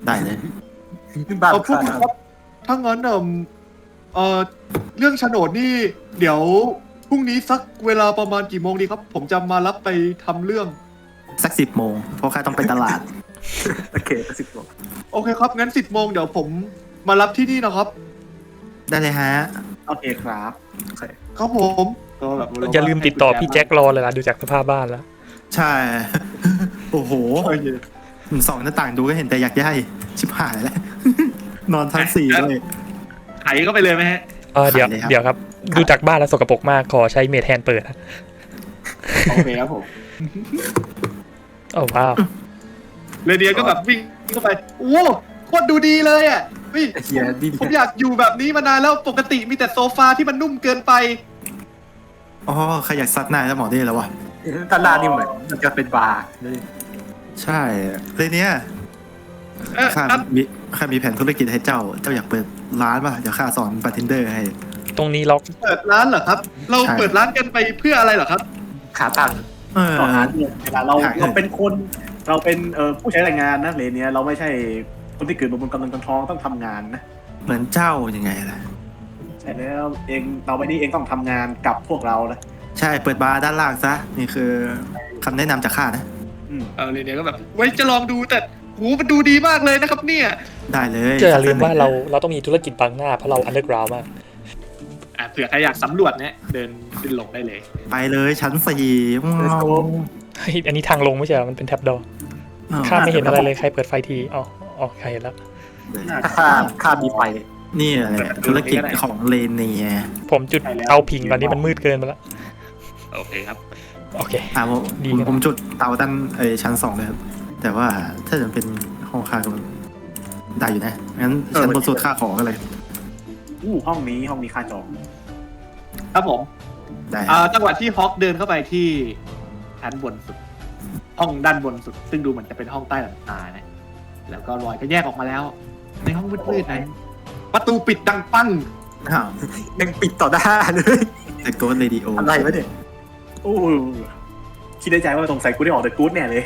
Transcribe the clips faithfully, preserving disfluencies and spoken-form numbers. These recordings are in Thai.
ได้เลยบ้าเอาพูดครับถ้างั้นเอ่อเอ่อเรื่องโฉนดนี่เดี๋ยวพรุ่งนี้สักเวลาประมาณกี่โมงดีครับ ผมจะมารับไปทำเรื่องสักสิบโมงเพราะข้าต้องไปตลาดโอเคสิบโมงโอเคครับ งั้นสิบโมงเดี๋ยวผมมารับที่นี่นะครับได้เลยฮะโอเคครับโอเคครับผมก็แบบอย่าลืมติดต่อพี่แจ็ครอเลยล่ะดูจากสภาพบ้านแล้วใช่ โอ้โหโอเคสองหน้าต่างดูก็เห็นแต่อยากย่ายชิบหายแล้ว นอนชั้นสี่ด้วยไถเข้าไปเลยไหมฮะเออเดี๋ยวขายเลยครับเดี๋ยวครับ ดูจากบ้านแล้วสกปรกมากขอใช้เมทแฮนเปิดนะโอเคครับผมโอ้ว้าวเรเดียก็แบบวิ่งเข้าไปโอ้โคตรดูดีเลยอ่ะวิ่งเฮียดีผมอยากอยู่แบบนี้มานานแล้วปกติมีแต่โซฟาที่มันนุ่มเกินไปอ๋อใครอยากซัดหน้าแล้วหมอได้แล้ววะด้านล่างนี่เหมือนมันจะเป็นบาร์เลยใช่เลยเนี้ยเอ๊ะข้าครับมีข้ามีแผนธุรกิจให้เจ้า เจ้าอยากเปิดร้านป่ะ เดี๋ยวข้าสอนบาร์เทนเดอร์ให้ตรงนี้ล็อกเปิดร้านเหรอครับ เราใช่เปิดร้านกันไปเพื่ออะไรเหรอครับขาตังค์เออต่อหาเนี่ยเวลาเราหาเงินเราเป็นคนเราเป็นเอ่อผู้ใช้แรงงานนะเลนเนี้ยเราไม่ใช่คนที่เกิดมาบนกำลังกำท้องต้องทำงานนะเหมือนเจ้ายังไงล่ะใช่แล้วเองเราไปนี่เองต้องทำงานกับพวกเรานะใช่ เปิดบาร์ด้านล่างซะ นี่คือคำแนะนำจากข้านะอืมเออเรเดียก็แบบไว้จะลองดูแต่โหมันดูดีมากเลยนะครับเนี่ยได้เลยเจออย่าลืมว่าเราเราต้องมีธุรกิจบังหน้าเพราะเราอันเดอร์กราวมากอ่ะเผื่อใครอยากสำรวจเนี่ยเดินขึ้นลงได้เลยไปเลยชั้นสี่ Let's go เฮ้ยอันนี้ทางลงไม่ใช่เหรอมันเป็นแท็บดอร์ข้าไม่เห็นอะไรเลยใครเปิดไฟทีอ๋ออ๋อใครเห็นแล้วถ้าค่าค่ามีไฟนี่แหละธุรกิจของเลนเนียผมจุดเตาผิงตอนนี้มันมืดเกินไปแล้วโอเคครับโอเคอ่าผมดีผมครับผมจุดเตาด้านเออชั้นสองเลยครับ แต่ว่าถ้าจะเป็นห้องค่าก็ได้อยู่นะ งั้นชั้นบนสุดค่าของก็เลยอู้ห้องนี้ห้องนี้ค่าจองครับผมได้อ่าจังหวะที่ฮอกเดินเข้าไปที่ชั้นบนสุด ห้องด้านบนสุด ซึ่งดูเหมือนจะเป็นห้องใต้หลังคานะแล้วก็รอยก็แยกออกมาแล้ว ในห้องมืดๆนะประตูปิดดังปั้งอ้าวยังปิดต่อหน้าเลยแต่โกดเรดิโออะไรวะเนี่ยโอ้คิดในใจว่าสงสัยกูได้ออกเดอะกู๊ดแน่เลย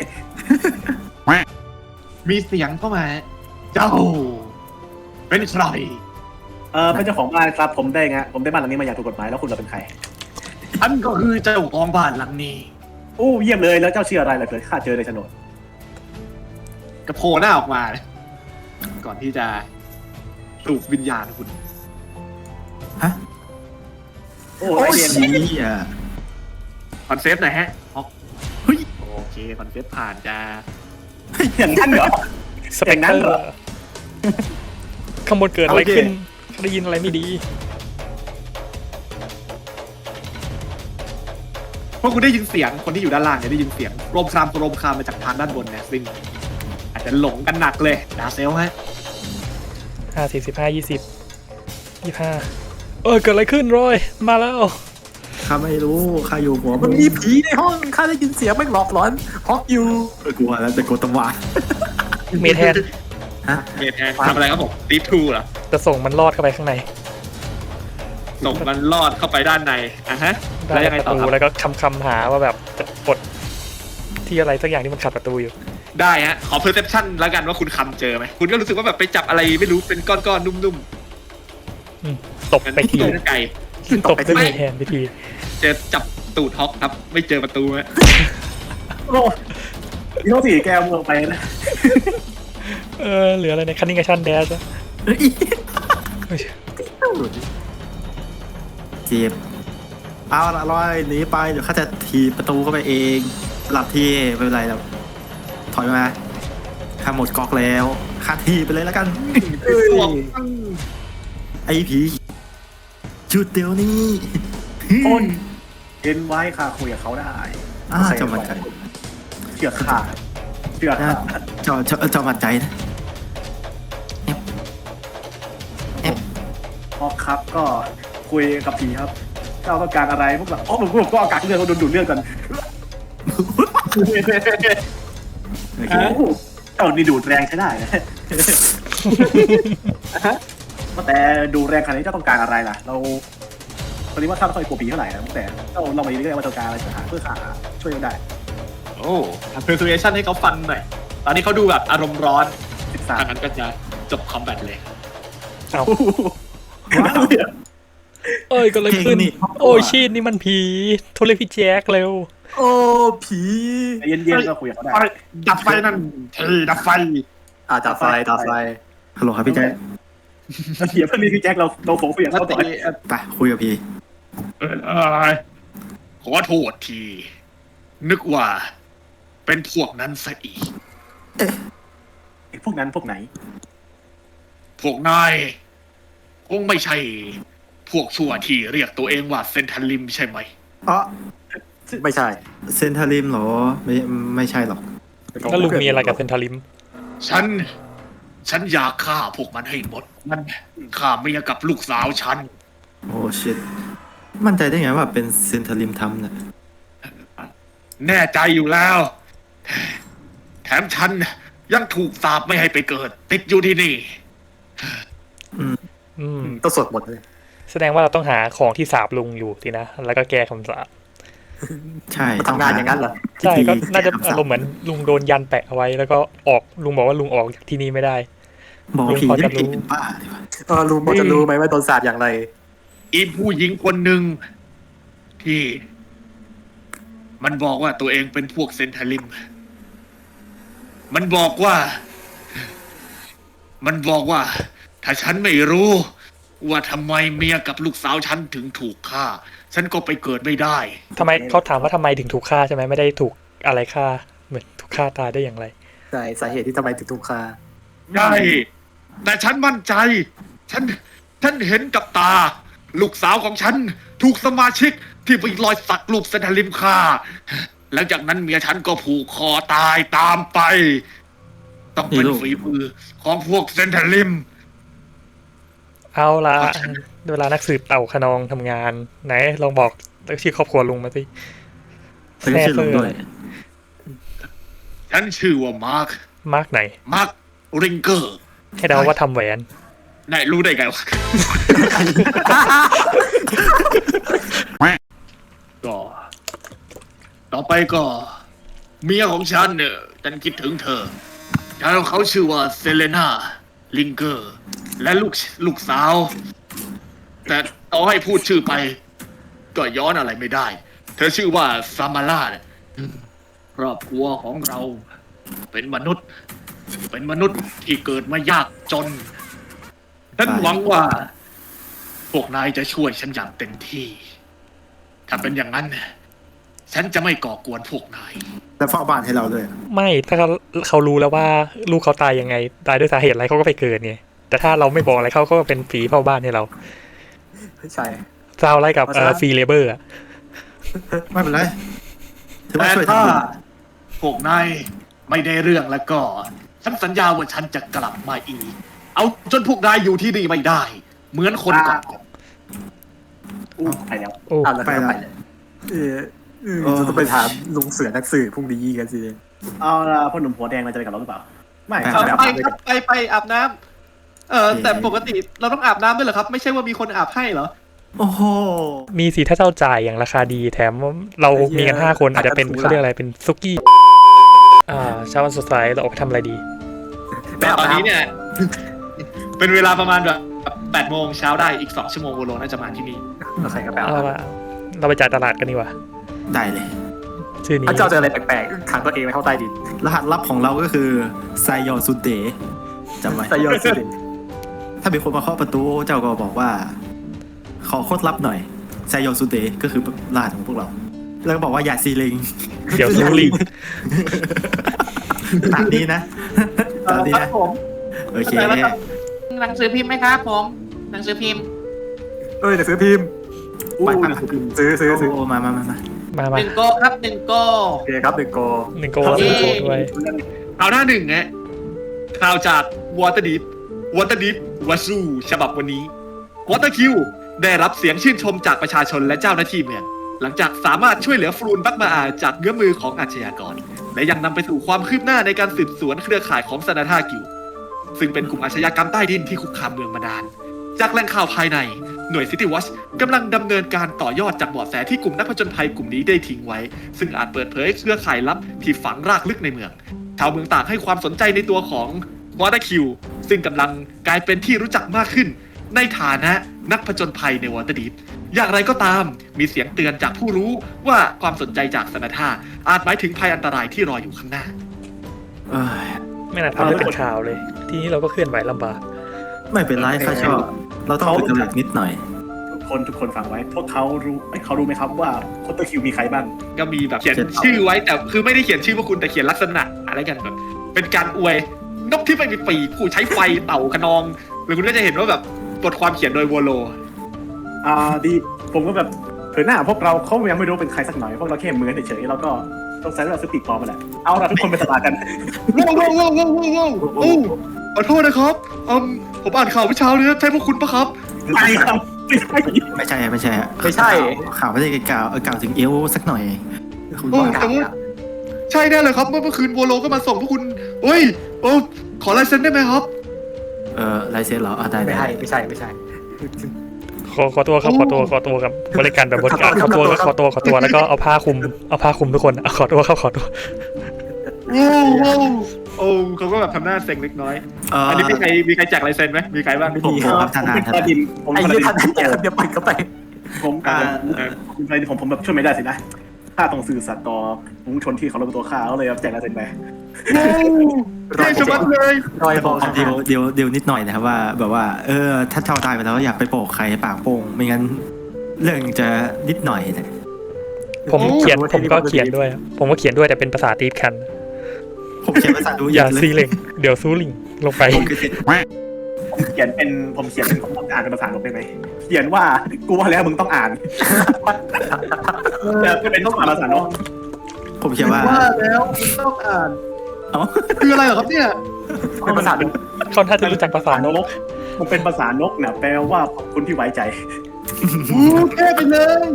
มีเสียงเข้ามา เจ้า เป็นใครเออเป็นเจ้าของบ้านครับผมได้ไงผมได้บ้านหลังนี้มาอย่างถูกกฎหมายแล้วคุณเราเป็นใครฉันก็คือเจ้าของบ้านหลังนี้โอ้เยี่ยมเลยแล้วเจ้าชื่ออะไรล่ะเกิดข้าเจอในโฉนดกระโผล่หน้าออกมา ก่อนที่จะปลุกวิญญาณคุณฮะโอ้โอ้ยยเรียนเหี้ยคอนเซปต์หน่อยฮะฮอกเฮ้ยโอเคคอนเซปต์ผ่านจะอย่างนั้นเหรอสเปกอย่างนั้เตอนเหรอร์ข้างบนเกิดอะไรขึ้นได้ยินอะไรไม่ดีพวกคุณได้ยินเสียงคนที่อยู่ด้านล่างเนี่ยได้ยินเสียงโรมครามโรมครามมาจากทางด้านบนเนี่ยซึ่งอาจจะหลงกันหนักเลยดาเซลฮะห้าสี่สิบห้ายี่สิบยี่ห้าเออเกิดอะไรขึ้นรอย มาแล้วข้าไม่รู้ข้าอยู่หัวมันมีผีในห้องข้าได้ยินเสียงแม่งหลอกหลอนฮอกอยู่เออกลัวแล้วแต่โกดตะวานเมทแฮนฮะเมทแทนทำอะไรครับผมตีทูเหรอจะส่งมันรอดเข้าไปข้างในส่งมันลอดเข้าไปด้านในอ่ะฮะแล้วยังไงประต่อตูครับแล้วก็คำคำๆหาว่าแบบจะกดที่อะไรสักอย่างที่มันขัดประตูอยู่ได้ฮะขอ perception แล้วกันว่าคุณคำเจอไหมคุณก็รู้สึกว่าแบบไปจับอะไรไม่รู้เป็นก้อนๆนุ่มอืมตบๆไปทีเจอไก่ตบด้วยเมทแฮนไปทีเจอจับตูดฮอกครับ ไม่เจอประตูฮะโอ้ยเขาสี่แกวเมืองไปนะเออเหลืออะไรในคันนิงกับชันแดชเฮ้ยเจ็บเอาละร้อยหนีไปเดี๋ยวข้าจะถีบประตูเข้าไปเองหลับที่ไม่เป็นไรแล้วถอยมาข้าหมดก๊อกแล้วข้าถีบไปเลยแล้วกันตัวไอ้ผีจุดเดี๋ยวนี้ต้นเห็นไว้ค่ะคุยกับเขาได้อ่าเจ้ามันใจเชื่อข้าเชื่อข้าเจ้าเจ้าเจ้ามันใจนะฮอกครับก็คุยกับผีครับถ้าเราต้องการอะไรพวกเราอ๋อผมก็เอากักเลือดเขาโดนดูดเลือดกันโอเคโอ้โหเจ้านี่ดูดแรงใช้ได้นะแต่ดูแรงขนาดนี้เจ้าต้องการอะไรล่ะ เราตอนนี้ว่าข้าไม่ค่อยกลัวผีเท่าไหร่นะแต่เราเรามาเรื่อยๆว่าต้องการอะไรจะหาเพื่อหาช่วยเราได้โอ้ทำ persuasion ให้เขาฟันหน่อย ตอนนี้เขาดูแบบอารมณ์ร้อนสสามถ้างั้นก็จะจบคอมแบทเลยเอาว้าวเอ้ยเก็เลยขึ้นเก่งนี่โอ้ยชีดนี่มันผีโทรเรียกพี่แจ็คเร็วโอ้ผีเย็นๆก็คุยกับเขาได้ไปดับไฟนั่นเทดับไฟอ่าดับไฟดับไฟฮัลโหลครับพี่แจ๊คเดี๋ยวเพื่อนนี่พี่แจ็คเราเราโผล่คุยกับแล้วเขาต่อตีไปคุยกับพี่เออเอยขอโทษที นึกว่า เป็นพวกนั้นซะอีกไอ้พวกนั้นพวกไหนพวกนายคงไม่ใช่ พวกชั่วที่เรียกตัวเองว่าเซนทันลิมใช่ไหมอ๋อไม่ใช่เซนทาริมเหรอไม่ไม่ใช่หรอกแล้วลุงมีอะไรกับเซนทาริมฉัน ฉันอยากฆ่าพวกมันให้หมด มันฆ่าเมียกับลูกสาวฉันโอ้ชิตมั่นใจได้ไงว่าเป็นเซนทาริมทำเนี่ยแน่ใจอยู่แล้ว แถมฉันยังถูกสาปไม่ให้ไปเกิด ติดอยู่ที่นี่อืมต้องสวดหมดเลยแสดงว่าเราต้องหาของที่สาบลุงอยู่สินะ แล้วก็แก้คำสาปใช่มันทำงานอย่างนั้นเหรอใช่ก็น่าจะพิธีอารมณ์เหมือนลุงโดนยันแปะเอาไว้ แล้วก็ออกลุงบอกว่าลุงออกจากที่นี่ไม่ได้บอกผีลุงพอได้จะรู้เป็นป้าดีกว่าเออลุงพอจะรู้ไหมว่าโดนสาดอย่างไรอีผู้หญิงคนหนึ่งที่ มันบอกว่าตัวเองเป็นพวกเซนทาลิม มันบอกว่า มันบอกว่า ถ้าฉันไม่รู้ ว่าทำไมเมียกับลูกสาวฉันถึงถูกฆ่า ฉันก็ไปเกิดไม่ได้ทำไมเขาถามว่าทำไมถึงถูกฆ่าใช่ไหมไม่ได้ถูกอะไรฆ่าเหมือนถูกฆ่าตายได้อย่างไรใช่สาเหตุที่ทำไมถึงถูกฆ่าใช่ แต่ฉันมั่นใจ ฉัน ฉันเห็นกับตา ลูกสาวของฉัน ถูกสมาชิกที่ไปรอยสักรูปเซนทาลิมฆ่า หลังจากนั้นเมียฉันก็ผูกคอตายตามไป ต้องเป็นฝีมือของพวกเซนทาลิมเอาละเวลานักสืบเต่าขนองทำงาน ไหนลองบอกชื่อครอบครัวลุงมาสิแล้วก็ชื่อลุงด้วยฉันชื่อว่ามาร์คมาร์กไหนมาร์คริงเกอร์ให้เดาว่าทำแหวนนายรู้ได้ไงวะ ก็ ต่อไปก็ เมียของฉันเนี่ยฉันคิดถึงเธอแล้วเขาชื่อว่าเซเลนาลิงเกอร์ และลูกลูกสาว แต่ต่อให้พูดชื่อไป ก็ย้อนอะไรไม่ได้ เธอชื่อว่าซามาร่าเนี่ยครอบครัวของเรา เป็นมนุษย์ เป็นมนุษย์ที่เกิดมายากจน ฉันหวังว่า พวกนายจะช่วยฉันอย่างเต็มที่ ถ้าเป็นอย่างนั้น ฉันจะไม่ก่อกวนพวกนายแล้วเฝ้าบ้านให้เราด้วยไม่ถ้าเขาเขารู้แล้วว่าลูกเขาตายยังไง ตายด้วยสาเหตุอะไรเขาก็ไปเกิดไงแต่ถ้าเราไม่บอกอะไรเขาก็เป็นผีเฝ้าบ้านให้เราใช่ซาวอะไรกับเพราะฉะนั้นฟรีเลเบอร์อะไม่เป็นไรถือว่าแต่ช่วยถ้าทำบุญพวกนายไม่ได้เรื่องแล้วก็ ฉันสัญญาว่าฉันจะกลับมาอีก เอาจนพวกนายอยู่ที่นี่ไม่ได้ เหมือนคนก่อนอู้ไปแล้วโอ้อ่าแล้วก็ไปเลยเออเออจะต้องไปถามลุงเสือนักสืบพรุ่งนี้กันสิเอาละพ่อหนุ่มหัวแดงเราจะไปกับเราหรือเปล่า ไม่ไปครับไปครับไปไปอาบน้ำเออแต่ปกติเราต้องอาบน้ำด้วยเหรอครับ ไม่ใช่ว่ามีคนอาบให้เหรอโอ้โหมีสีถ้าเจ้าจ่ายอย่างราคาดีแถมเรามีกันห้าคนอาจจะเป็นเขาเรียกอะไรเป็นซุกี้อ่าเช้าวันสดใสเราออกไปทำอะไรดีแต่ตอนนี้เนี่ย เป็นเวลาประมาณแบบแปดโมงเช้าได้อีกสองชั่วโมงโวโลน่าจะมาที่นี่เราใครก็ไปเอาเอาละเราไปจ่ายตลาดกันดีกว่าได้เลยชื่อนี้ถ้าเจ้าเจออะไรแปลกๆขังตัวเองไว้เข้าใต้ดินรหัสลับของเราก็คือไซยอนซุเดะจำไว้ไซยอนสุดถ้ามีคนมาเคาะประตูเจ้าก็บอกว่า ขอโคตรลับหน่อยไซยอนซุเดะก็คือรหัสของพวกเรา แล้วก็บอกว่าอย่าซีลิงเดี๋ยวซูลิงตามนี้นะตามนี้ครันะบผมโอเคหนังสือพิมพ์ไหมครับผม หนังสือพิมพ์เอ้ยเดี๋ยวซื้อพิมพ์ไปไปซื้อซื้อซื้อโอ้มามามามามาหมานึ่งโกครับหนึ่งโกโอเคครับหนึ่งโกหนึ่งโกแล้วหนึ่งโกด้วยข่าวหน้าหนึ่งไงข่าวจากวอเตอร์ดิฟวอเตอร์ดิฟวาซูฉบับวันนี้วอเตอร์คิวได้รับเสียงชื่นชมจากประชาชนและเจ้าหน้าที่เมือง หลังจากสามารถช่วยเหลือฟรูนบักมาอาจากเงื้อมือของอาชญากร และยังนำไปสู่ความคืบหน้าในการสืบสวนเครือข่ายของซานาธากิวซึ่งเป็นกลุ่มอาชญากรรมใต้ดินที่คุกคามเมืองมานาน จากแหล่งข่าวภายในหน่วย City Watch กำลังดำเนินการต่อยอดจากเบาะแสที่กลุ่มนักผจญภัยกลุ่มนี้ได้ทิ้งไว้ ซึ่งอาจเปิดเผยเครือข่ายลับที่ฝังรากลึกในเมือง ชาวเมืองต่างให้ความสนใจในตัวของวอเตอร์คิวซึ่งกำลังกลายเป็นที่รู้จักมากขึ้นในฐานะนักผจญภัยในวอเตอร์ดีฟอย่างไรก็ตามมีเสียงเตือนจากผู้รู้ว่าความสนใจจากสนาธาอาจหมายถึงภัยอันตรายที่รออยู่ข้างหน้าเอ้ยไม่น่าทำให้เป็นข่าวเลย ทีนี้เราก็เคลื่อนไหวลำบากไม่เป็นไรข้าชอบเราต้องเป็นกระเลิกนิดหน่อยทุกคนทุกคนฟังไว้ พวกเขารู้เอ้ยเขารู้ไหมครับว่าโคตรคิวมีใครบ้างก็มีแบบเขียนชื่อไว้แต่คือไม่ได้เขียนชื่อพวกคุณแต่เขียนลักษณะอะไรกันแบบเป็นการอวยนกที่ไม่มีปีกผู้ใช้ไฟเต่าขนองหรือคุณก็จะเห็นว่าแบบบทความเขียนโดยวัวโลอ่าดีผมก็แบบเผยหน้าพวกเราเขายังไม่รู้เป็นใครสักหน่อยพวกเราแค่เหมือนเฉยๆแล้วก็ต้องใช้เวลาซื้อปีกปลอมมาแหละเอาละทุกคนไปสบายกันว้าวว้าวว้าวว้าวว้าวโอ้ขอโทษนะครับอืมผมอ่านข่าวเมื่อเช้านี้ใช่พวกคุณปะครับไม่ครับไม่ใช่ไม่ใช่ไม่ใช่ไม่ใช่ข่าวไม่ได้กล่าวกล่าวถึงเอลสักหน่อยคุณโอ้ว่าแต่ว่าใช่แน่เลยครับเมื่อเมื่อคืนวัวโลก็มาส่งพวกคุณเฮ้ยโอ้ขอลายเซ็นได้ไหมครับเออลายเซ็นเหรออ่ะได้ไม่ได้ใช่ไม่ใช่ไม่ใช่ขอขอตัวครับขอตัวขอตัวกับบริการแบบบริการขอตัวขอตัวขอตัวแล้วก็เอาผ้าคลุมเอาผ้าคลุมทุกคนเอาขอตัวครับขอตัวโอ้โหโอ้เขาก็แบบทำหน้าเซ็งเล็กน้อยเอออันนี้มีใครมีใครแจกลายเซ็นไหมมีใครบ้างผมผมครับทนายทนายผมไอ้คนเรื่ละองดินท่านแจกเดี๋ยวปล่อยเข้าไปผมอ่าคุณใครผมผมแบบช่วยไม่ได้สินะข้าต้องสื่อสัตย์ต่อมุงชนที่เขาลงตัวข้าเขาเลยแจกลายเซ็นไปเท่ชะมัดเลยรอยบอกเดียวเดียวเดียวนิดหน่อยนะครับว่าแบบว่าเออถ้าเจ้าตายไปแล้วอยากไปโปกใครปากโป่งไม่งั้นเรื่องจะนิดหน่อยนะผมเขียนผมก็เขียนด้วย ผมก็เขียนด้วยแต่เป็นภาษาตีฟคันผมเขียนภาษาดูอย่าเลยซีเล็งเดี๋ยวซูลิงลงไปผมคือเซ็นผมเขียนเป็นผมเขียนเป็นผมอ่านเป็นภาษาลงได้ไหมเขียนว่ากูว่าแล้วมึงต้องอ่านแต่เป็นต้องอ่านภาษาเนาะผมเขียนว่าว่าแล้วคุณต้องอ่านเอ้าคืออะไรเหรอครับเนี่ยเป็นภาษาเป็นเขาน่าจะรู้จักภาษานกกมันเป็นภาษานกเนี่ยแปลว่าขอบคุณที่ไว้ใจอู้แค่ไปเลย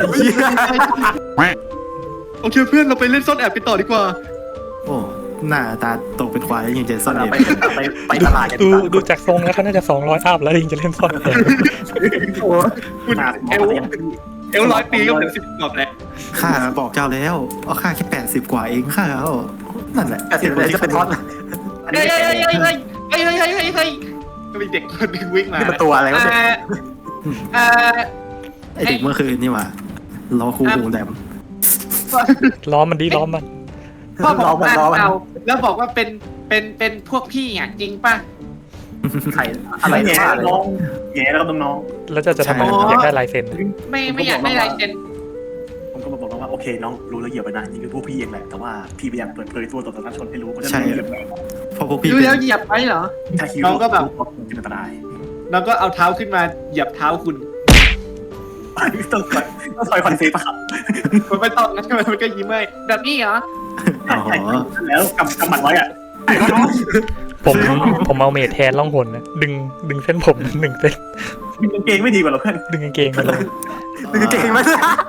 โอเคเพื่อนเราไปเล่นซ่อนแอบกันต่อดีกว่าโอ้หน้าตาโตเป็นควายยังจะซ่อนเราเองไปไปไปตลาดกันดูดีกว่าดูจากทรงแล้วเขาน่าจะสองร้อยอัพแล้วยิงจะเล่นซ่อนแอบคุณเอลเอลร้อยปีก็เหมือนสิบกว่าแล้วข้าบอกเจ้าแล้วเอาค่าแค่แปดสิบกว่าเองข้าเอานั่นแหละแต่เดี๋ยวจะเป็นท็อตอันเฮ้นี้ยไม่เฮ้ยใช่เฮ้ยเฮ้ยเฮ้ยเฮ้ยเฮ้ยเฮ้ยก็มีเด็กคนหนึงวิ่งมานี่มันตัวอะไรวะเนี่ยเอ่อไอเด็กเมื่อคืนนี่หว่าล้อคูวงแดมล้อมันดีล้อมันพ่อผมล้อมันอ่านล้อมันข่าวแล้วบอกว่าเป็นเป็นเป็นพวกพี่อ่ะจริงป่ะไข่อะไรแง่ว่าอะไรน้องแง่แล้วก็น้องแล้วจะจะทำไมอยากได้ลายเซ็นไม่ไม่อยากได้ลายเซ็นผมก็มาบอกว่าโอเคน้องรู้แล้วเหยียบไปนะนี่คือพวกพี่เองแหละแต่ว่าพี่ไม่อยากเปิดเผยตัวต่อสาธารณชนให้รู้เพราะฉะนั้นเรื่องอะไรเพราะพวกพี่ดูเป็นแล้วเหยียบไปเหรอถ้าคิวเป็นอันตรายแล้วก็เอาเท้าขึ้นมาเหยียบเท้าคุณต้องต้องซอยคอนเซ็ปต์ครับมันไม่ต้องนะมันก็ยิ้มให้แบบนี้เหรออ๋อแล้วกำกำหมัดไว้อะผมผมเอาเมทแทนล่องหนนะดึงดึงเส้นผมหนึ่งเส้นมีกางเกงไม่ดีกว่าหรอเพื่อนดึงกางเกงมาเลยคือเก่งไหม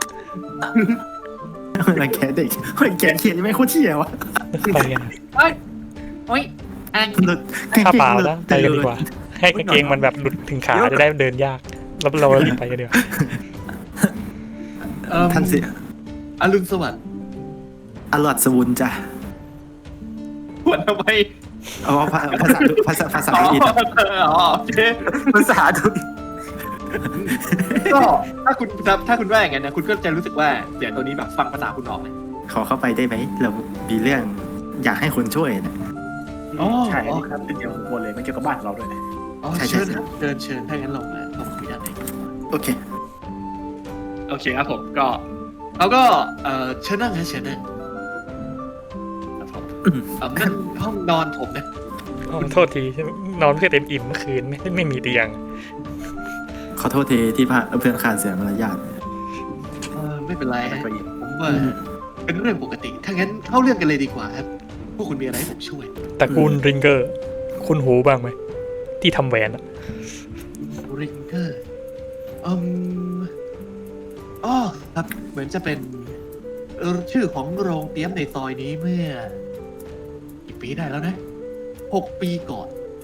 รังแกเด็กรังแกเขียนยังไม่โคตรเที่ยวะไปกันเอ้ยโอ้ยอันข้าเปล่าแล้วไปกันดีกว่า ให้กางเกงมันแบบหลุดถึงขาจะได้เดินยากแล้วเรารีบไปกันเดียวท่านเสียอรุณสวัสดิ์อร่อยสวุนจ้ะหัวทำไมเอาภาภาษาภาษาภาษาอ๋ออังกฤษอ๋อโอเคภาษาดูก็ถ้าคุณถ้าคุณว่าอย่างนั้นนะคุณก็จะรู้สึกว่าเสียงตัวนี้แบบฟังภาษาคุณออกไหมขอเข้าไปได้ไหมเรามีเรื่องอยากให้คนช่วยนะใช่ครับเป็นเกี่ยวกับคนเลยไม่เกี่ยวกับบ้านเราด้วยนะอ๋อเชิญครับเชิญเชิญถ้างั้นลงมาผมคุยด้านในโอเคโอเคครับผมก็เขาก็เอ่อเชิญนั่งนะเชิญนั่งครับผมอืมเอ่อนั่นห้องนอนผมนะอ๋อโทษทีนอนเพื่อเต็มอิ่มเมื่อคืนไม่ไม่มีเตียงขอโทษทีที่พาเพื่อนขาดเสียมารยาทเออไม่เป็นไรฮะผมว่าเป็นเรื่องปกติถ้างั้นเข้าเรื่องกันเลยดีกว่าครับพวกคุณมีอะไรให้ผมช่วยตระกูลริงเกอร์ คุณหูบ้างไหมที่ทำแหวนอะริงเกอร์อืมอ๋อครับเหมือนจะเป็นเอ่อชื่อของโรงเตรียมในซอยนี้เมื่อกี่ปีได้แล้วนะหกปีก่อน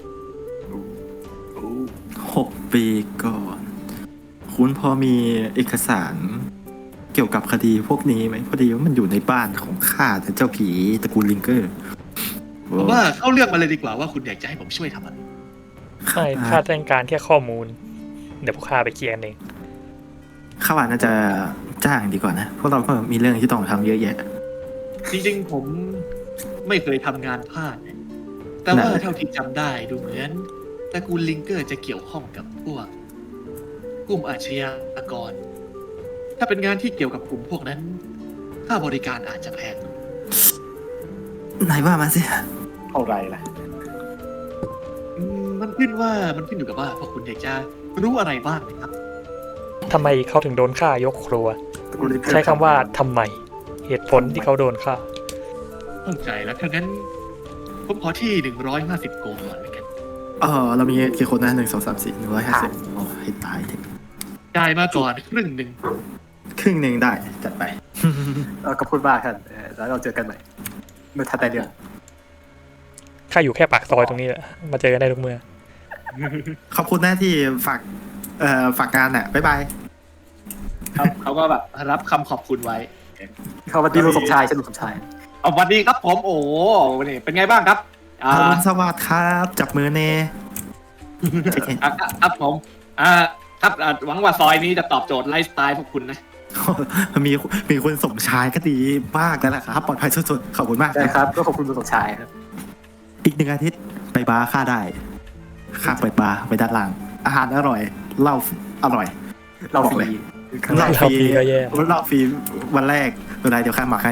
หกปีก่อน คุณพอมีเอกสารเกี่ยวกับคดีพวกนี้ไหมพอดีว่ามันอยู่ในบ้านของข้าแต่เจ้าผีตระกูลลิงเกอร์ผมว่าเข้าเรื่องมาเลยดีกว่าว่าคุณอยากจะให้ผมช่วยทำอะไรไม่ข้าต้องการแค่ข้อมูล เดี๋ยวพวกข้าไปเคลียร์กันเองข้าว่าน่าจะจ้างดีกว่านะพวกเราก็มีเรื่องที่ต้องทำเยอะแยะจริงๆผมไม่เคยทำงานพลาดนะแต่ว่าไหนเท่าที่จำได้ดูเหมือนตระกูลลิงเกอร์จะเกี่ยวข้องกับพวกกลุ่มอาชญากร ถ้าเป็นงานที่เกี่ยวกับกลุ่มพวกนั้นค่าบริการอาจจะแพงไหนว่ามาสิเท่าไรล่ะอืมมันขึ้นว่ามันขึ้นอยู่กับว่าพวกคุณอยากจะรู้อะไรบ้างนะครับทำไมเขาถึงโดนฆ่ายกครัว ใช้คำว่าทำไม เหตุผลที่เขาโดนฆ่าเข้าใจแล้วถ้างั้นผมขอที่หนึ่งร้อยห้าสิบโกลก่อนเลยกันเออเรามีกี่คนนะหนึ่งสองสามสี่หนึ่งร้อยห้าสิบโอ้ให้ตายเถอะจ่ายมาก่อนครึ่งหนึ่งครึ่งหนึ่งได้จัดไปเออก็พูดมากท่านเออแล้วเราเจอกันใหม่เมื่อทันใดเดือนข้าอยู่แค่ปากซอยตรงนี้แหละ มาเจอกันได้ทุกเมื่อขอบคุณนะที่ฝากเอ่อฝากงานอ่ะบ๊ายบายครับเขาก็แบบรับคำขอบคุณไว้เขาวันดีลุงสมชายใช่ลุงสมชายเอาสวัสดีครับผมโอ้โหนี่เป็นไงบ้างครับอ่าอรุณสวัสดิ์ครับจับมือเน่อ่ะอ่ะครับผมอ่าครับอ่าหวังว่าซอยนี้จะตอบโจทย์ไลฟ์สไตล์พวกคุณนะมีมีคนสมชายก็ดีมากแล้วนะครับปลอดภัยสุดๆขอบคุณมากได้ครับก็ขอบคุณลุงสมชายครับอีกหนึ่งอาทิตย์ไปบาร์ค่าได้ค่าเปิดบาร์ไปด้านล่างอาหารอร่อยเหล้าอร่อยเราฟรีเหล้าฟรีเหล้าฟรีก็แย่เหล้าฟรีวันแรกเวลาเดี๋ยวข้าหมักให้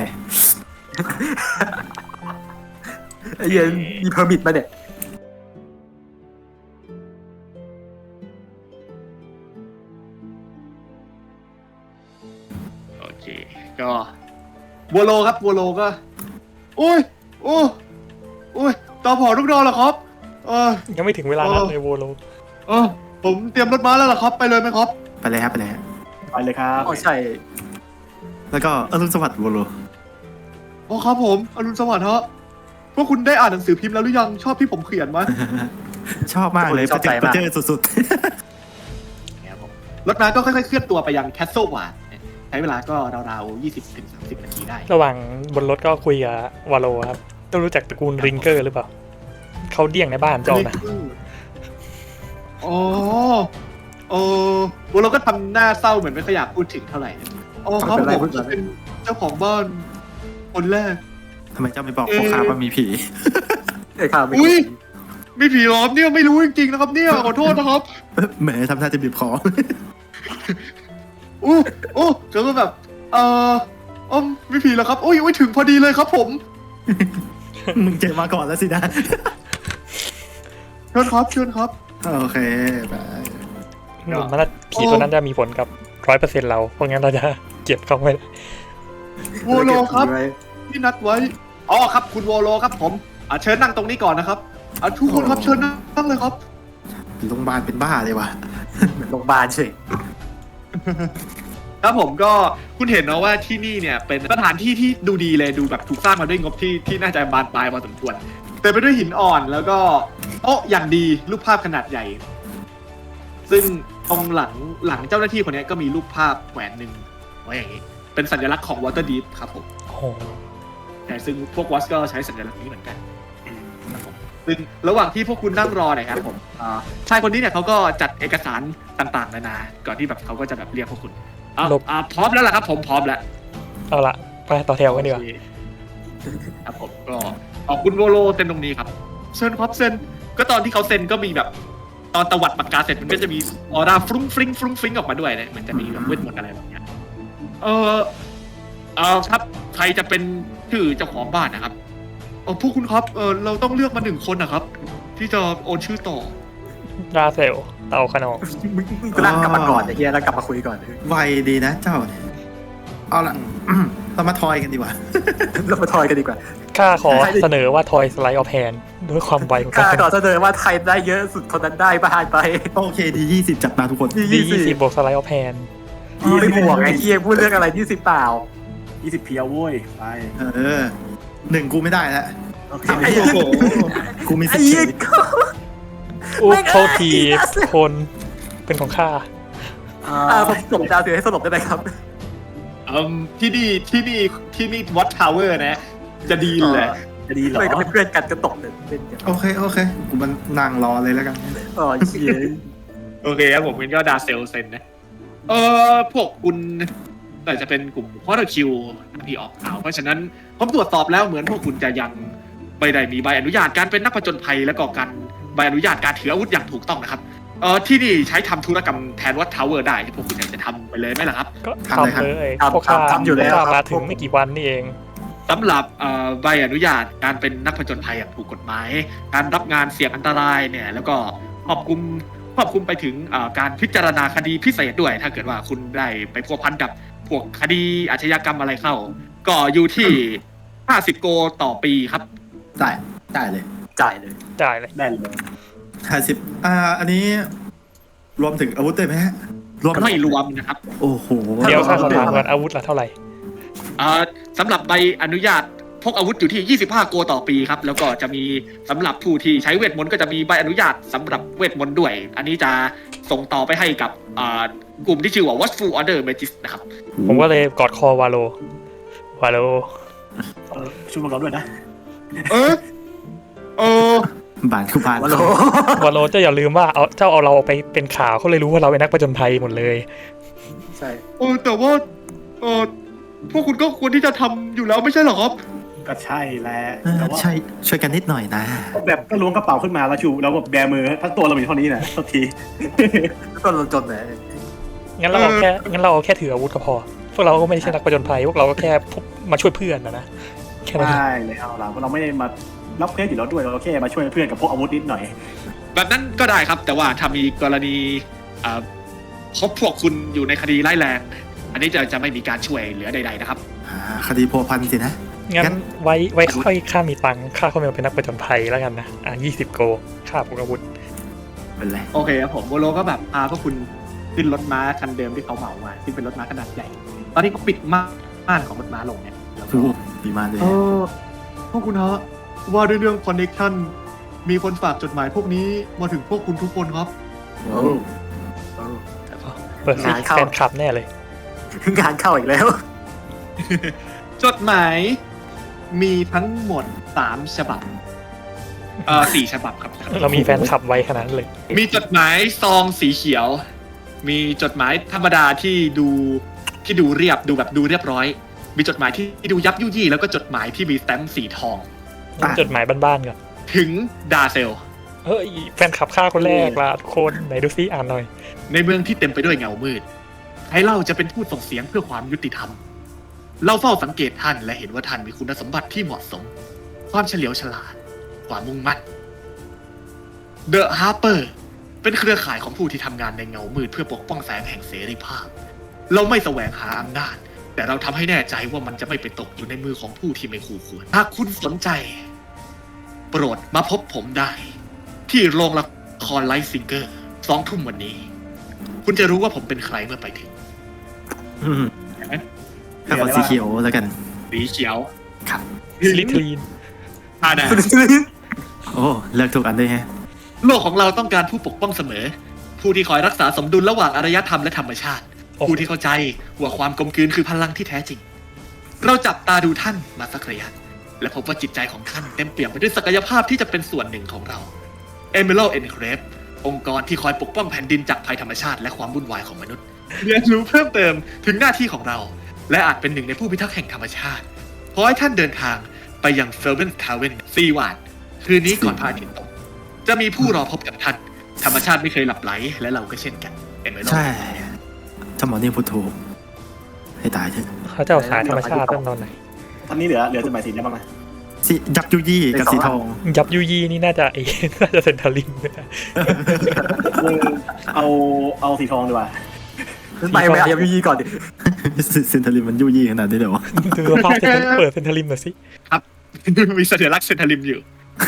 ไอ้เหี้ย็นมีเพอร์มิทมาเนี่ยโอเคก็บัวโลครับบัวโลก็อุ้ยโอ้อุ้ยตอผอลูกดอเหรอครับเออยังไม่ถึงเวลานั้นเลยโวโลเออผมเตรียมรถม้าแล้วเหรอครับไปเลยไหมครับไปเลยครับไปเลยครับไปเลยครับอ๋อใช่แล้วก็อรุณสวัสดิ์โวโลอ๋อครับผมอรุณสวัสดิ์ฮะพวกคุณได้อ่านหนังสือพิมพ์แล้วหรือยังชอบที่ผมเขียนไหมชอบมากเลยประเจิดประเจิดสุดรถม้าก็ค่อยๆเคลื่อนตัวไปยังแคสเซิลวาร์ดใช้เวลาก็ราวๆยี่สิบถึงสามสิบนาทีได้ระหว่างบนรถก็คุยกับวาโลครับต้องรู้จักตระกูลริงเกอร์หรือเปล่า เขาเดี่ยงในบ้านเจ้านะอ๋อเออบัวเราก็ทำหน้าเศร้าเหมือนไม่ค่อยอยากพูดถึงเท่าไหร่อ๋อครับผมจะเป็นเจ้าของบ้านคนแรกๆทำไมเจ้าไม่บอกพ่อค้าว่ามีผีไอ้ข่าวไม่อุ้ยมีผีล้อมเนี่ยไม่รู้จริงๆนะครับเนี่ยขอโทษนะครับแหมทำท่าจะบีบคออู้อู้เขาก็แบบเอออ๋อมีผีแล้วครับอุ้ยอุ้ยถึงพอดีเลยครับผมมึงเจอมาก่อนแล้วสินะเชิญครับเชิญครับโอเคไปหนุ่มมันผีตัวนั้นจะมีผลกับร้อยเปอร์เซ็นต์เรา เพราะงั้นเราจะเก็บเขาไว้วอลโลครับที่นัดไว้อ๋อครับคุณวอลโลครับผมอ่ะเชิญนั่งตรงนี้ก่อนนะครับอ่ะทุกคนครับเชิญนั่งเลยครับโรงพยาบาลเป็นบ้าเลยว่ะเหมือนโรงพยาบาลเฉยครับผมก็คุณเห็นเนาะว่าที่นี่เนี่ยเป็นสถานที่ที่ดูดีเลยดูแบบถูกสร้างมาด้วยงบที่ที่น่าจะบานปลายพอสมควรเต็มไปด้วยหินอ่อนแล้วก็โต๊ะอย่างดีรูปภาพขนาดใหญ่ ซึ่งตรงหลังหลังเจ้าหน้าที่คนนี้ก็มีรูปภาพแขวนหนึ่งไว้อย่างนี้เป็นสัญลักษณ์ของ Waterdeep ครับผมโอ้โหแต่ซึ่งพวกวอสก็ใช้สัญลักษณ์นี้เหมือนกันครับผมซึ่งระหว่างที่พวกคุณนั่งรอเนี่ยครับผมอ่าชายคนนี้เนี่ยเขาก็จัดเอกสารต่างๆนานาก่อนที่แบบเขาก็จะแบบเรียกพวกคุณอ่ะอ่าพร้อมแล้วล่ะครับผมพร้อมแล้วเอาละไปต่อแถวกันดีกว่าโอเคครับผมก็ขอบคุณโวโลเซ็นตรงนี้ครับเซ็นครับเซ็นก็ตอนที่เขาเซ็นก็มีแบบตอนตวัดปากกาเสร็จมันก็จะมีออร่าฟรุ้งฟริ้งฟรุ้งฟริ้งออกมาด้วยนะเหมือนจะมีแบบเวทมนต์อะไรแบบเนี้ยเออเออครับใครจะเป็นชื่อเจ้าของบ้านนะครับเออพวกคุณครับเออเราต้องเลือกมาหนึ่งคนนะครับ ที่จะโอนชื่อต่อราเซลเตาขนองมึงมึงนั่งกลับมาก่อนไอ้เหี้ยแล้วกลับมาคุยก่อนไวดีนะเจ้าเนี่ยเอาละเรามาทอยกันดีกว่าเรามาทอยกันดีกว่าข้าขอเสนอว่าทอยสไลด์ออฟแฮนด้วยความไวของข้าการก่อนเสนอว่าใครได้เยอะสุดคนนั้นได้บ้านไปโอเคดียี่สิบจัดมาทุกคนดียี่สิบบวกสไลด์ออฟแฮนพี่ไม่บวกไอ้เหี้ยพูดเรื่องอะไรที่สิบเปล่ายี่สิบเพียวเว้ยไปเออหนึ่งกูไม่ได้แล้วโอเคไอ้โหกูมีไอ้สิทเหี้ยธิ์ก็อุ๊บโทษทีคนเป็นของข้าอ่าผมส่งดาวเสียให้สลบได้ไหมครับอืมที่นี่ที่นี่ที่นี่วัดทาวเวอร์นะ จะดีเลยจะดีเหรอไม่ก็เป็นเพื่อนกันก็ตกเลยเป็นกันโอเคโอเคกูมันนั่งรอเลยแล้วกันอ๋อเชี่ยโอเคครับผมงั้นก็ดาเซลเซนนะเออพวกคุณแต่จะเป็นกลุ่มคอร์คิวที่ออกข่าวเพราะฉะนั้นผมตรวจสอบแล้วเหมือนพวกคุณจะยังไม่ได้มีใบอนุญาตการเป็นนักผจญภัยและก็การใบอนุญาตการถืออาวุธอย่างถูกต้องนะครับเออที่นี่ใช้ทำธุรกรรมแทนวัดทาวเวอร์ได้พวกคุณอยากจะทำไปเลยไหมล่ะครับก็ทำเลยพวกทำทำอยู่แล้วพวกคข้ารับมาถึงไม่กี่วันนี่เองสำหรับเอ่อใบอนุญาตการเป็นนักผจญภัยอย่างถูกกฎหมาย การรับงานเสี่ยงอันตรายเนี่ยแล้วก็ครอบคลุมครอบคลุมไปถึงเอ่อการพิจารณาคดีพิเศษด้วย ถ้าเกิดว่าคุณได้ไปพัวพันกับพวกคดีอาชญากรรมอะไรเข้า ก็อยู่ที่ห้าสิบโกต่อปีครับได้ได้เลยจ่ายเลยได้เลยได้เลยห้าสิบอ่าอันนี้รวมถึงอาวุธด้วยไหมฮะรวมไม่รวมนะครับโอ้โหเดี๋ยวข้าขอถามก่อนอาวุธละเท่าไหร่เอ่อสำหรับใบอนุญาตพกอาวุธอยู่ที่ยี่สิบห้าโกต่อปีครับแล้วก็จะมีสำหรับผู้ที่ใช้เวทมนต์ก็จะมีใบอนุญาตสำหรับเวทมนต์ด้วย อันนี้จะส่งต่อไปให้กับอ่ากลุ่มที่ชื่อว่า Watchful Order Magis นะครับผมก็เลยกอดคอวาโลวาโลเออช่วยมาเราด้วยนะเออเออบานคือบานวะโลวาโลเจ้าอย่าลืมว่าเอาเจ้าเอาเราไปเป็นข่าวเขาเลยรู้ว่าเราเป็นนักผจญภัยหมดเลยใช่เออแต่ว่าเออพวกคุณก็ควรที่จะทำอยู่แล้วไม่ใช่เหรอครับก็ใช่แหละเออแต่ว่าใช่ช่วยกันนิดหน่อยนะก็แบบก็ล้วงกระเป๋าขึ้นมาแล้วชูแล้วแบบแบมือทั้งตัวเรามีเท่านี้นะทุกทีก็ลงจนไหนงั้นเราเอาแค่งั้นเราเอาแค่ถืออาวุธก็พอ พวกเราก็ไม่ใช่นักผจญภัยพวกเราก็แค่มาช่วยเพื่อนนะนะแค่นั้นเองใช่เลยเอาล่ะเราไม่ได้มารับเพื่อนอยู่แล้วด้วยเราแค่มาช่วยเพื่อนกับพวกอาวุธนิดหน่อยแบบนั้นก็ได้ครับ แต่ว่าถ้ามีกรณีอ่าพบพวกคุณอยู่ในคดีร้ายแรง อันนี้จะจะไม่มีการช่วยเหลือใดๆนะครับอ่าคดีพัวพันสินะงั้งั้นนไว้ไว้ค่อยค่ามีตังค์ค่าเข้ามาเป็นนักผจญภัยแล้วกันนะอ่ะยี่สิบโกค่าพวกอาวุธเป็นไรโอเคครับผมโบโลก็แบบพาพวกคุณขึ้นรถม้าคันเดิมที่เขาเหมามาที่เป็นรถม้าขนาดใหญ่ ตอนนี้เขาปิดม่านของรถม้าลงเนี่ยแล้วก็คือดีมากเลยเออพวกคุณฮะว่าด้วยเรื่องคอนเนคชั่นมีคนฝากจดหมายพวกนี้มาถึงพวกคุณทุกคนครับโอ้โอ้เปิดซิงานเข้าแฟนคลับแน่เลยงานเข้าอีกแล้วจดหมายมีทั้งหมดสามฉบับเออสี่ฉบับครับเรามีแฟนคลับไว้ขนาดนั้นเลยมีจดหมายซองสีเขียว มีจดหมายธรรมดาที่ดูที่ดูเรียบดูแบบดูเรียบร้อย มีจดหมายที่ดูยับยุยี่แล้วก็จดหมายที่มีสแตมป์สีทองจดหมายบ้านๆก่อนถึงดาเซลเฮ้ยแฟนคลับข้าคนแรกละทุกคนไหนดูซิอ่านหน่อยในเมืองที่เต็มไปด้วยเงามืดให้เล่าจะเป็นผู้ส่งเสียงเพื่อความยุติธรรม เราเฝ้าสังเกตท่านและเห็นว่าท่านมีคุณสมบัติที่เหมาะสม ความเฉลียวฉลาด ความมุ่งมั่น เดอะฮาร์เปอร์เป็นเครือข่ายของผู้ที่ทำงานในเงามืดเพื่อปกป้องแสงแห่งเสรีภาพ เราไม่แสวงหาอำนาจ แต่เราทำให้แน่ใจว่ามันจะไม่ไปตกอยู่ในมือของผู้ที่ไม่คู่ควร หากคุณสนใจ โปรดมาพบผมได้ ที่โรงละครไลท์ซิงเกอร์สองทุ่มวันนี้ คุณจะรู้ว่าผมเป็นใครเมื่อไปถึงอืมถ้าขอสีเขียวแล้วกันสีเขียวครับสลิทลีนฮานาโอ้เลือกถูกอันด้วยฮะโลกของเราต้องการผู้ปกป้องเสมอ ผู้ที่คอยรักษาสมดุลระหว่างอารยธรรมและธรรมชาติโอ้ผู้ที่เข้าใจว่าความกลมกลืนคือพลังที่แท้จริง เราจับตาดูท่านมาสักระยะ และพบว่าจิตใจของท่านเต็มเปี่ยมไปด้วยศักยภาพที่จะเป็นส่วนหนึ่งของเรา Emerald Enclave องค์กรที่คอยปกป้องแผ่นดินจากภัยธรรมชาติและความวุ่นวายของมนุษย์ เรียนรู้เพิ่มเติมถึงหน้าที่ของเรา และอาจเป็นหนึ่งในผู้พิทักษ์แห่งธรรมชาติ ขอให้ท่านเดินทางไปยัง Fervent Tavern ซีวานคืนนี้ก่อนพระอาทิตย์ตก จะมีผู้รอพบกับท่าน ธรรมชาติไม่เคยหลับไหลและเราก็เช่นกัน Emerald ใช่ถ้าหมอนี่พูดถูกให้ตายเถอะเขาจะเอาสายธรรมชาติตั้งตอนไหนตอนนี้เหลือเหลือจดหมายสีได้บ้างนะสียับยุยี่กับสีทองยับยูยีนี่น่าจะเอ น่าจะเซนทาริมนะเออเอาเอาสีทองดีกว่าไปไปเอายี่ก่อนดิเซนทาริมมันยุยี่ขนาดนี้เดี๋ยวดูสภาพเซนทาริมเปิดเซนทาริมหน่อยสิมีสัญลักษณ์เซนทาริมอยู่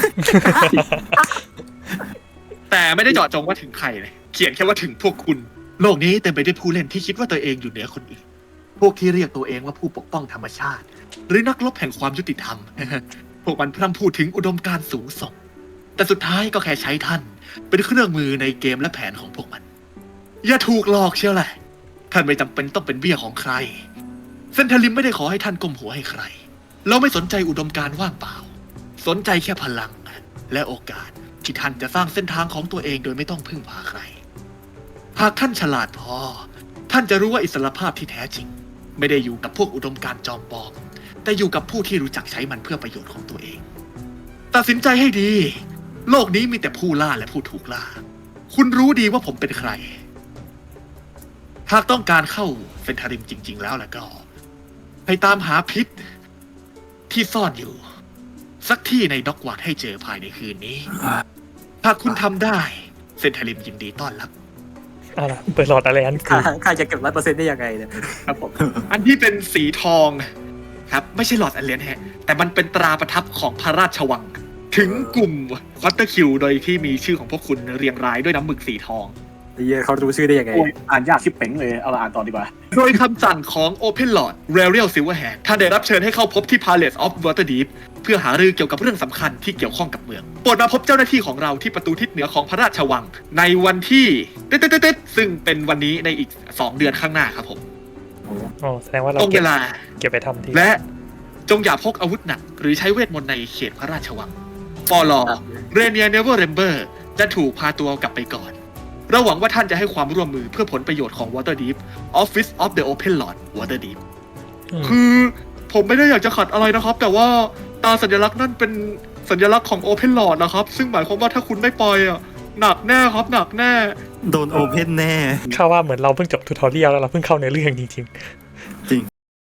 แต่ไม่ได้เจาะจงว่าถึงใครเลยเขียนแค่ว่าถึงพวกคุณ โลกนี้เต็มไปด้วยผู้เล่นที่คิดว่าตัวเองอยู่เหนือคนอื่น พวกที่เรียกตัวเองว่าผู้ปกป้องธรรมชาติ หรือนักรบแห่งความยุติธรรม พวกมันพร่ำพูดถึงอุดมการณ์สูงส่ง แต่สุดท้ายก็แค่ใช้ท่าน เป็นเครื่องมือในเกมและแผนของพวกมัน อย่าถูกหลอกเชียวแหละ ท่านไม่จำเป็นต้องเป็นเบี้ยของใคร เซนทาริมไม่ได้ขอให้ท่านก้มหัวให้ใคร เราไม่สนใจอุดมการณ์ว่างเปล่าสนใจแค่พลังและโอกาสที่ท่านจะสร้างเส้นทางของตัวเองโดยไม่ต้องพึ่งพาใคร หากท่านฉลาดพอ ท่านจะรู้ว่าอิสรภาพที่แท้จริง ไม่ได้อยู่กับพวกอุดมการณ์จอมปลอม แต่อยู่กับผู้ที่รู้จักใช้มันเพื่อประโยชน์ของตัวเอง ตัดสินใจให้ดี โลกนี้มีแต่ผู้ล่าและผู้ถูกล่า คุณรู้ดีว่าผมเป็นใคร หากต้องการเข้าเฟนทาริมจริง ๆ แล้วแล้วก็ให้ตามหาพิษที่ซ่อนอยู่ สักที่ในด็อกวาร์ดให้เจอภายในคืนนี้ หากคุณทำได้เฟนทาริมยินดีต้อนรับเอาล่ะเปิดหลอดอะไรอันคืข้าอข้าจะเก็บร้อยเปอร์เซ็นต์ได้ยังไงเนี่ยครับผมอันที่เป็นสีทองครับไม่ใช่หลอดอันเลนฮะแต่มันเป็นตราประทับของพระราชวัง ถึงกลุ่มวัตเตอร์คิวโดยที่มีชื่อของพวกคุณเรียงรายด้วยน้ำหมึกสีทองไอ้เหี้ยเขารู้ชื่อได้ยังไงโอ้ยอ่านยากชิบเป๋งเลย เอาละอ่านต่อดีกว่าโดยคำสั่งของ Open Lord Rariel Silverhand ท่านได้รับเชิญให้เข้าพบที่ Palace of Waterdeep เพื่อหารือเกี่ยวกับเรื่องสำคัญที่เกี่ยวข้องกับเมือง โปรดมาพบเจ้าหน้าที่ของเราที่ประตูทิศเหนือของพระราชวัง ในวันที่เต๊ดๆๆซึ่งเป็นวันนี้ในอีกสองเดือนข้างหน้าครับผมอ๋อแสดงว่าเราตรงเก็เวบลาเก็บไปทำที่และจงอย่าพกอาวุธหนัก หรือใช้เวทมนต์ในเขตพระราชวังฟอลอเรเนียเนเวอร์เรมเบอร์จะถูกพาตัวกลับไปก่อนเราหวังว่าท่านจะให้ความร่วมมือเพื่อผลประโยชน์ของ Waterdeep Office of the Open Lord Waterdeep อืมคือผมไม่ได้อยากจะขัดอะไรนะครับ แต่ว่าตาสัญลักษณ์นั่นเป็นสัญลักษณ์ของ Open Lord นะครับ ซึ่งหมายความว่าถ้าคุณไม่ไปอ่ะหนักแน่ครับหนักแน่โดนโอเพนแน่ข้าว่าเหมือนเราเพิ่งจบทูทอเรียลแล้วเราเพิ่งเข้าในเรื่องจริงๆ